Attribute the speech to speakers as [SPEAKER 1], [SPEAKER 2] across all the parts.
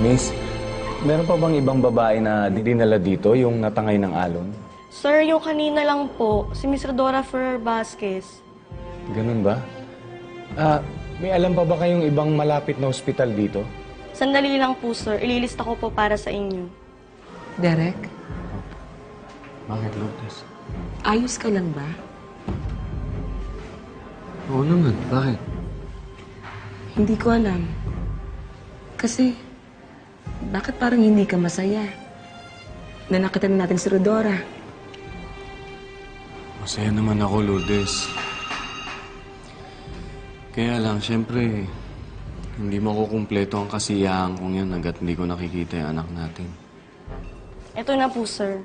[SPEAKER 1] Miss, meron pa bang ibang babae na dinala dito, yung natangay ng alon?
[SPEAKER 2] Sir, yung kanina lang po, si Miss Rodora Ferrer Vasquez.
[SPEAKER 1] Ganun ba? May alam pa ba kayong ibang malapit na ospital dito?
[SPEAKER 2] Sandali lang po, sir. Ililista ko po para sa inyo.
[SPEAKER 3] Derek,
[SPEAKER 1] Bakit, Lourdes?
[SPEAKER 3] ayos ka lang ba?
[SPEAKER 1] Oo naman, bakit?
[SPEAKER 3] Hindi ko alam. Kasi, bakit parang hindi ka masaya? Na nakita na natin si Rodora.
[SPEAKER 1] Masaya naman ako, Lourdes. Kaya lang, siyempre, hindi makukumpleto ang kasiyahan kong yan hanggat hindi ko nakikita yung anak natin.
[SPEAKER 2] Ito na po, sir.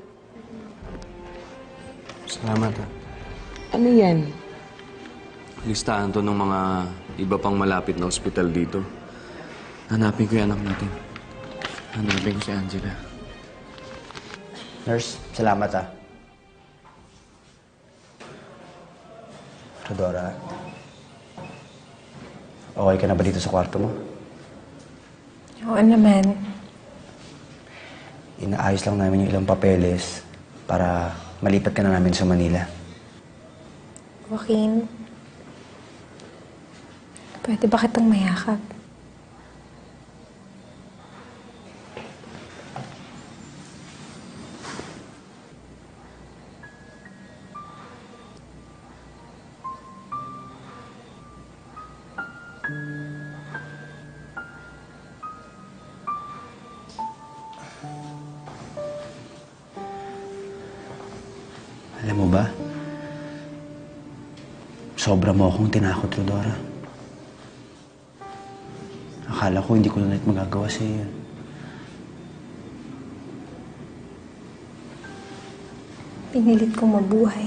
[SPEAKER 1] Salamat, ha.
[SPEAKER 3] Ano yan?
[SPEAKER 1] Listahan to ng mga iba pang malapit na ospital dito. Hanapin ko yung anak natin. Hanapin ko si Angela.
[SPEAKER 4] Nurse, salamat ah. Rodora, okay ka na ba dito sa kwarto mo?
[SPEAKER 5] Oo naman.
[SPEAKER 4] Inaayos lang namin yung ilang papeles para malipat ka na namin sa Manila.
[SPEAKER 5] Joaquin, pwede ba kitang mayakap?
[SPEAKER 4] Alam mo ba, sobra mo akong tinakot, Rodora. Akala ko hindi ko na ulit magagawa sa iyo.
[SPEAKER 5] Pinilit kong mabuhay.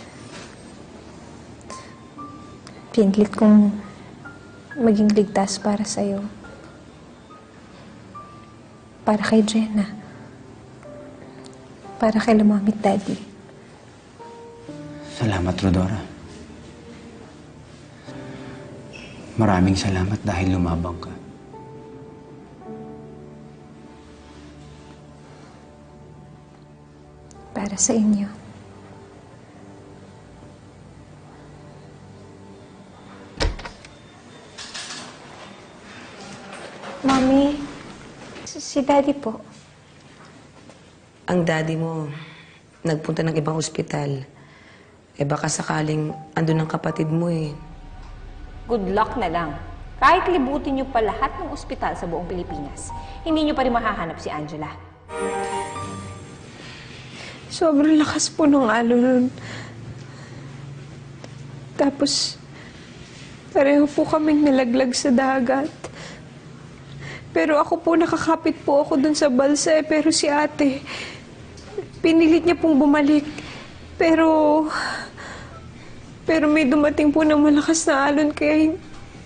[SPEAKER 5] Pinilit kong maging ligtas para sa'yo. Para kay Jenna. Para kay Mami at Daddy.
[SPEAKER 4] Salamat, Rodora. Maraming salamat dahil lumabang ka.
[SPEAKER 5] Para sa inyo. Mami, si Daddy po.
[SPEAKER 3] Ang daddy mo, nagpunta ng ibang ospital. Eh baka sakaling andun ang kapatid mo eh.
[SPEAKER 6] Good luck na lang. Kahit libutin niyo pa lahat ng ospital sa buong Pilipinas, hindi niyo pa rin mahahanap si Angela.
[SPEAKER 5] Sobrang lakas po ng alon nun. Tapos, pareho po kaming nalaglag sa dagat. Pero ako po, nakakapit po ako dun sa balsa eh. Pero si ate, pinilit niya pong bumalik. Pero may dumating po ng malakas na alon kaya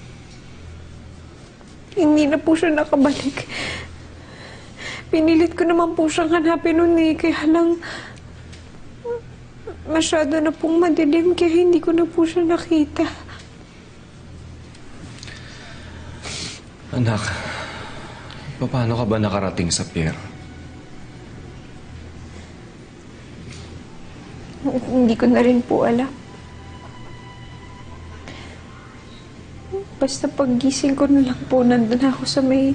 [SPEAKER 5] hindi na po siya nakabalik. Pinilit ko naman po siyang hanapin nun eh. Kaya lang, masyado na pong madilim kaya hindi ko na po siya nakita.
[SPEAKER 1] Anak, paano ka ba nakarating sa pier?
[SPEAKER 5] Hindi ko na rin po alam. Basta paggising ko na lang po, nandun ako sa may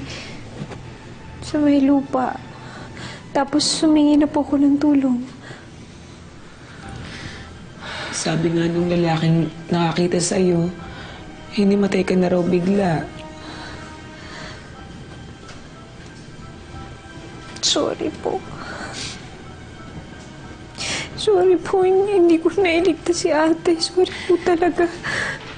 [SPEAKER 5] lupa. Tapos sumingi na po ako ng tulong.
[SPEAKER 3] Sabi nga nung lalaking nakakita sa'yo, hinimatay ka na raw bigla.
[SPEAKER 5] Sorry po. Sorry po, hindi ko nailigtas si ate. Sorry po talaga.